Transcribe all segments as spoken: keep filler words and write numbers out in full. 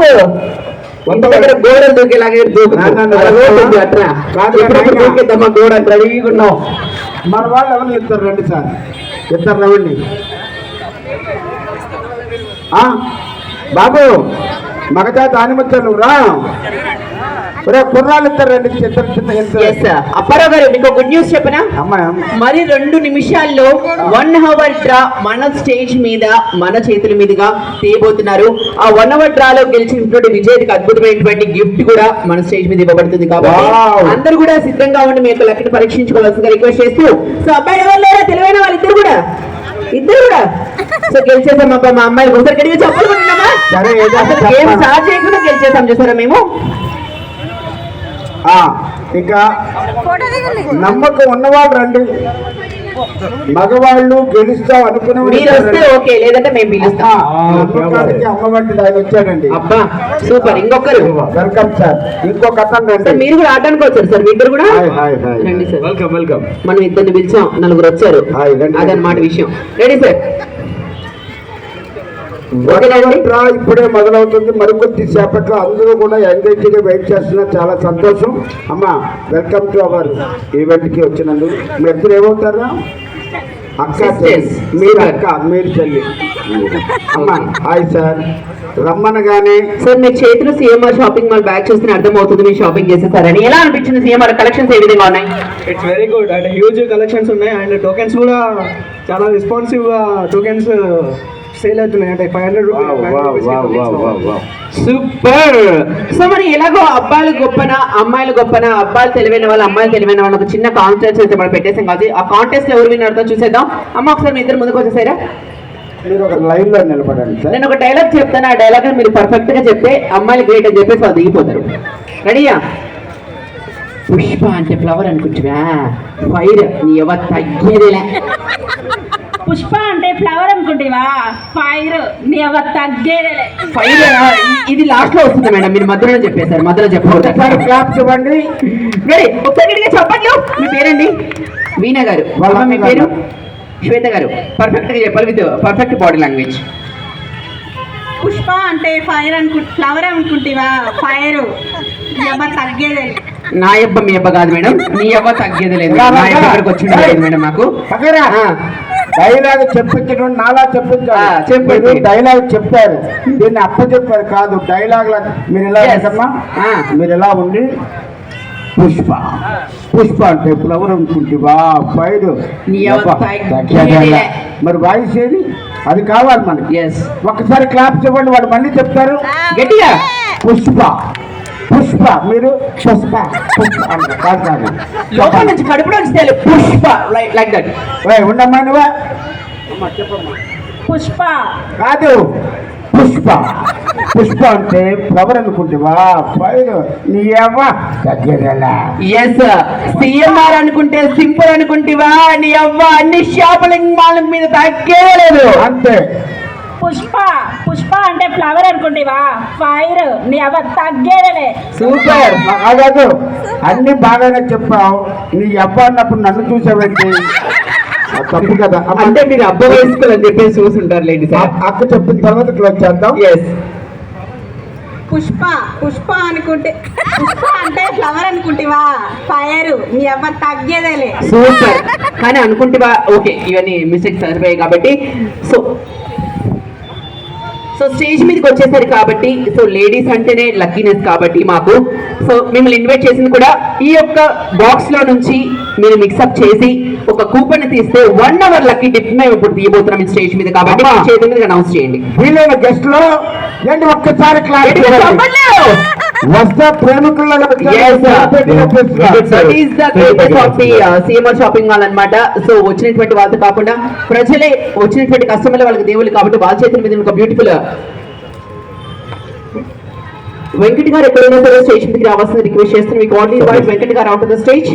బాబు ఇంత దగ్గర గోడలు దూకేలాగే దూకుతుంది అట్లా దూకేద్దామా గోడ రెడీగా ఉన్నాం. మన వాళ్ళు ఎవరు ఇద్దరు రండి సార్, ఇద్దరు రండి బాబు. మగజాతి ఆనిమత్యాలు రా కుర్రాలు ఇద్దరు రండి. అప్పారావు గారు మీకు గుడ్ న్యూస్ చెప్పనా? మరి రెండు నిమిషాల్లో వన్ అవర్ డ్రా మన స్టేజ్ మీద మన చేతుల మీదుగా తీయబోతున్నారు. ఆ వన్ అవర్ డ్రాలో గెలిచినటువంటి విజయ్కి అద్భుతమైనటువంటి గిఫ్ట్ కూడా మన స్టేజ్ మీద ఇవ్వబడుతుంది. కాబట్టి అందరూ కూడా సిద్ధంగా ఉండి మీ యొక్క లెక్కను పరీక్షించుకోవాల్సిందిగా రిక్వెస్ట్ చేస్తూ, సో అబ్బాయి ఎవరు లేరా తెలివైన వాళ్ళు ఇద్దరు కూడా ఇద్దరు కూడా సో గెలిచేసాం అబ్బా. మా అమ్మాయి ఒకసారి గడిగా చెప్పుకుంటున్నామా? గేమ్ స్టార్ట్ చేయకుండా గెలిచేసాం చూసారా మేము. ఇంకా నమ్మకం ఉన్నవాళ్ళు రండి, మగవాళ్ళు గెలుస్తాం అనుకునే ఓకే, లేదంటే మేము పిలుస్తాం. అమ్మ వంటిది ఆయన వచ్చాడండి. అబ్బా సూపర్. ఇంకొకరు వెల్కమ్ సార్. ఇంకొక అతను రండి. మీరు కూడా ఆడడానికి వచ్చారు సార్, ఇద్దరు కూడా రండి సార్. Welcome welcome. మనం ఇద్దరిని పిలిచాం, నలుగురు వచ్చారు, అదనమాట విషయం. Ready sir? డ్రా ఇప్పుడే మొదలవుతుంది. మరికొద్ది సేపట్లో అందరూ కూడా ఎంగేజ్ గా వెయిట్ చేస్తున్నారు. చాలా సంతోషం అమ్మా. వెల్కమ్ టు అవర్ ఈవెంట్ కి వచ్చినందుకు. మీ ఇద్దరు ఏమవుతారా? అక్క మీరు అక్క మీరు చెల్లి. అమ్మా హాయ్ సార్. రమ్మనగానే సార్ మీ చేతులు సిఎంఆర్ షాపింగ్ మాల్ బ్యాగ్ చూస్తే అర్థం అవుతుంది మీరు షాపింగ్ చేసేసారని. ఎలా అనిపించింది? సిఎంఆర్ కలెక్షన్స్ ఏ విధంగా ఉన్నాయి? It's very good and huge collections ఉన్నాయి. అండ్ టోకెన్స్ కూడా చాలా రెస్పాన్సివ్ గా టోకెన్స్ సేల్ అవుతున్నాయి. అంటే ఫైవ్ హండ్రెడ్ సూపర్. సో మరి ఎలాగో అబ్బాయిలు గొప్పనా అమ్మాయిలు గొప్పనా, అబ్బాయిలు తెలివైన వాళ్ళు అమ్మాయిలు తెలివైన వాళ్ళు ఒక చిన్న కాంటెస్ట్ అయితే మనం పెట్టేసాం కాదు. ఆ కాంటెస్ట్ ఎవరు విన్నారో చూసేద్దాం. అమ్మ ఒకసారి మీ ఇద్దరు ముందుకు వచ్చేసారా? మీరు ఒక లైన్ లో నిలబడండి సార్. నేను ఒక డైలాగ్ చెప్తాను, ఆ డైలాగ్ మీరు పర్ఫెక్ట్ గా చెప్తే అమ్మాయిలు గ్రేట్ అని చెప్పేసి వాళ్ళు దిగిపోతారు. రెడీయా? పుష్ప అంటే ఫ్లవర్ అనుకుంటువా? ఫైర్ నీ ఎవరు తగ్గేదిలే. పుష్ప అంటే ఫ్లవర్ అనుకుంటేవా? ఫైర్ నీ ఎవరు తగ్గేదిలే. ఫైర్ ఇది లాస్ట్ లో వస్తుంది మేడం, మీరు మధ్యలో చెప్పేశారు. మధ్యలో చెప్పండి. క్లాప్ చెప్పండి. రెడీ? ఒకసారి చెప్పండి. మీ పేరండి? వీణా గారు. మీ పేరు? శ్వేత గారు. పర్ఫెక్ట్ గా చెప్పాలి, with perfect body language. Pushpa అంటే ఫైర్ అనుకు ఫ్లవర్ అనుకుంటేవా? ఫైర్ నీ ఎవరు తగ్గేదే. నా అబ్బ మీ అబ్బ కాదు మేడం, మీ అబ్బ తగ్గేది లేదు. నా దగ్గరకు వచ్చింది లేదు మేడం. మాకు డైలాగ్ చెప్పించడం నాలా చెప్పించారు. చెప్పారు డైలాగ్ చెప్పారు, దీన్ని అప్ప చెప్పారు కాదు. డైలాగ్ లా మీరు ఎలా ఉంటమ్మా? మీరు ఎలా ఉండి పుష్ప పుష్ప అంటే ఫ్లవర్ అనుకుంటేవా? ఫైర్ మరి వాయిస్ ఏది? అది కావాలి మనకి. ఒక్కసారి క్లాప్ చెప్పండి, వాడు మళ్ళీ చెప్తారు గట్టిగా. పుష్ప పుష్ప మీరు పుష్ప లోపల నుంచి కడుపులో నుంచి పుష్ప లైక్ దట్. ఉండమ్మా నువ్వా? పుష్ప కాదు పుష్ప. పుష్ప అంటే ఫ్లవర్ అనుకుంటేవా? ఫైర్ నీ అవ్వ తగ్గేదేలా. ఎస్ సిఎంఆర్ అనుకుంటే సింపుల్ అనుకుంటేవా? నీ అవ్వ అన్ని షాపింగ్ మాల్ మీద తగ్గేలేదు అంతే. పుష్ప పుష్ప అంటే ఫ్లవర్ అనుకుంటేవా? ఫైర్ నీ అవ్వ తగ్గేదే. సూపర్. కాదు అన్ని బాగానే చెప్పావు. నీ అబ్బ అన్నప్పుడు నన్ను చూసావండి, తప్పు కదా. అంటే మీరు అబ్బ వేసుకోవాలని చెప్పేసి చూసుంటారు లేండి సార్. అక్క చెప్పిన తర్వాత క్లోజ్ చేద్దాం. ఎస్. పుష్ప పుష్ప అనుకుంటే పుష్ప అంటే ఫ్లవర్ అనుకుంటేవా? ఫైర్ నీ అవ్వ తగ్గేదేలే. సూపర్. కానీ అనుకుంటేవా ఓకే, ఇవన్నీ మిస్టేక్స్ సరిపోయాయి కాబట్టి. సో సో స్టేజ్ మీదకి వచ్చేసరి కాబట్టి, సో లేడీస్ అంటేనే లక్కీనెస్ కాబట్టి మాకు, సో మిమ్మల్ని ఇన్వైట్ చేసింది కూడా ఈ యొక్క బాక్స్ లో నుంచి మీరు మిక్సప్ చేసి ఒక కూపన్ తీస్తే వన్ అవర్ లక్కీ టిప్ మేము ఇప్పుడు తీయబోతున్నాం ఈ స్టేజ్ మీద. కాబట్టి చేతి మీద అనౌన్స్ చేయండి. వీళ్ళైన గెస్ట్ లో ఏంటి ఒక్కసారి వస్తా ప్రేమికుల సిఎంఆర్ షాపింగ్ మాల్ అన్నమాట. సో వచ్చినటువంటి వాళ్ళతో కాకుండా ప్రజలే వచ్చినటువంటి కస్టమర్లు వాళ్ళకి దేవుళ్ళు కాబట్టి వాళ్ళ చేతుల మీద ఒక బ్యూటిఫుల్ వెంకట్ గారు ఎక్కడైనా సరే స్టేజ్ మీదకి రావాల్సిన రిక్వెస్ట్ చేస్తున్నాం. మీకు ఓన్లీ ఇన్వైట్ వెంకట్ గారు out of the stage.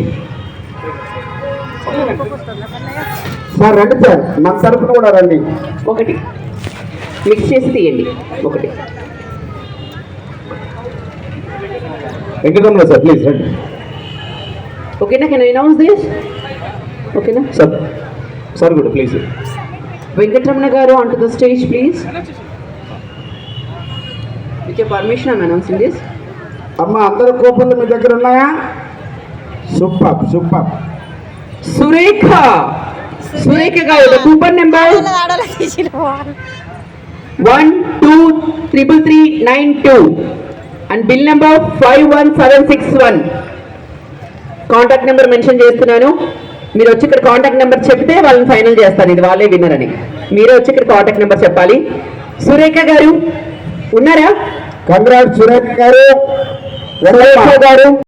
Sir రండి సార్, మన తరఫున కూడా రండి. ఒకటి మిక్స్ చేసి తీయండి. ఒకటి వెంకటరమణ సార్ ప్లీజ్ రండి. ఓకేనా? Can I announce this? ఓకేనా సార్? సార్ కూడా ప్లీజ్. వెంకటరమణ గారు on to the stage please. With your permission I'm announcing this. అమ్మ అందరు కూపన్లు మీ దగ్గర ఉన్నాయా? Super super. సురేఖ సురేఖ గారు coupon number one two triple three nine two and bill number five one seven six one. Contact number mention చేస్తున్నాను. మీరు వచ్చి ఇక్కడ కాంటాక్ట్ నెంబర్ చెప్తే వాళ్ళని ఫైనల్ చేస్తాను ఇది వాళ్ళే విన్నర్ అని. మీరే వచ్చి ఇక్కడ కాంటాక్ట్ నెంబర్ చెప్పాలి. సురేఖ గారు ఉన్నారా? కంగ్రాట్స్ సురేఖ గారు. సురేఖ గారు